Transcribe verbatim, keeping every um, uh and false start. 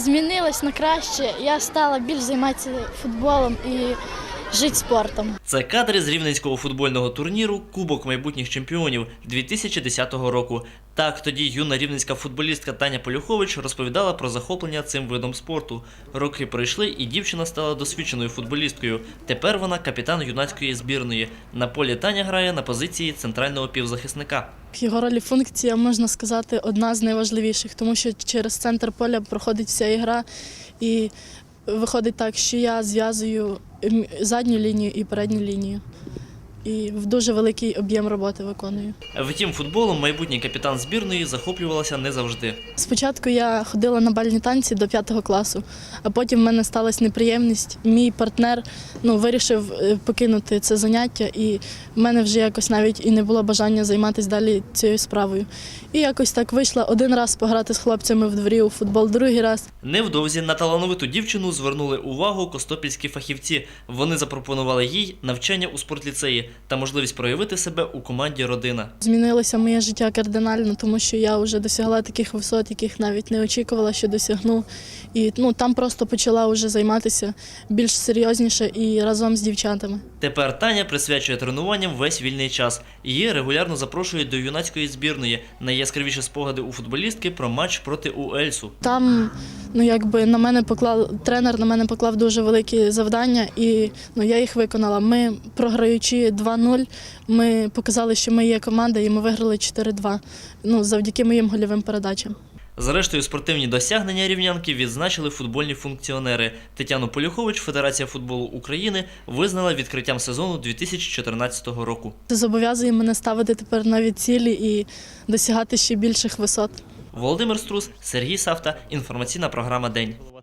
Змінилось на краще. Я стала більш займатися футболом і жити спортом. Це кадри з рівненського футбольного турніру «Кубок майбутніх чемпіонів» дві тисячі десятого року. Так, тоді юна рівненська футболістка Таня Полюхович розповідала про захоплення цим видом спорту. Роки пройшли, і дівчина стала досвідченою футболісткою. Тепер вона капітан юнацької збірної. На полі Таня грає на позиції центрального півзахисника. Його роль і функція, можна сказати, одна з найважливіших, тому що через центр поля проходить вся ігра, і виходить так, що я зв'язую задню лінію і передню лінію. І в дуже великий об'єм роботи виконую. Втім, футболом майбутній капітан збірної захоплювалася не завжди. Спочатку я ходила на бальні танці до п'ятого класу, а потім в мене сталася неприємність. Мій партнер ну, вирішив покинути це заняття, і в мене вже якось навіть і не було бажання займатися далі цією справою. І якось так вийшла один раз пограти з хлопцями в дворі у футбол, другий раз. Невдовзі на талановиту дівчину звернули увагу костопільські фахівці. Вони запропонували їй навчання у спортліцеї та можливість проявити себе у команді «Родина». Змінилося моє життя кардинально, тому що я вже досягла таких висот, яких навіть не очікувала, що досягну. І ну, там просто почала вже займатися більш серйозніше і разом з дівчатами. Тепер Таня присвячує тренуванням весь вільний час. Її регулярно запрошують до юнацької збірної. Найяскравіші спогади у футболістки про матч проти УЕЛьсу. Там ну, якби, на мене поклав, тренер на мене поклав дуже великі завдання, і ну, я їх виконала. Ми, програючи два нуль, ми показали, що ми є команда, і ми виграли чотири два ну, завдяки моїм гольовим передачам. Зрештою, спортивні досягнення рівнянки відзначили футбольні функціонери. Тетяну Полюхович Федерація футболу України визнала відкриттям сезону дві тисячі чотирнадцятого року. Це зобов'язує мене ставити тепер нові цілі і досягати ще більших висот. Володимир Струс, Сергій Савта. Інформаційна програма «День».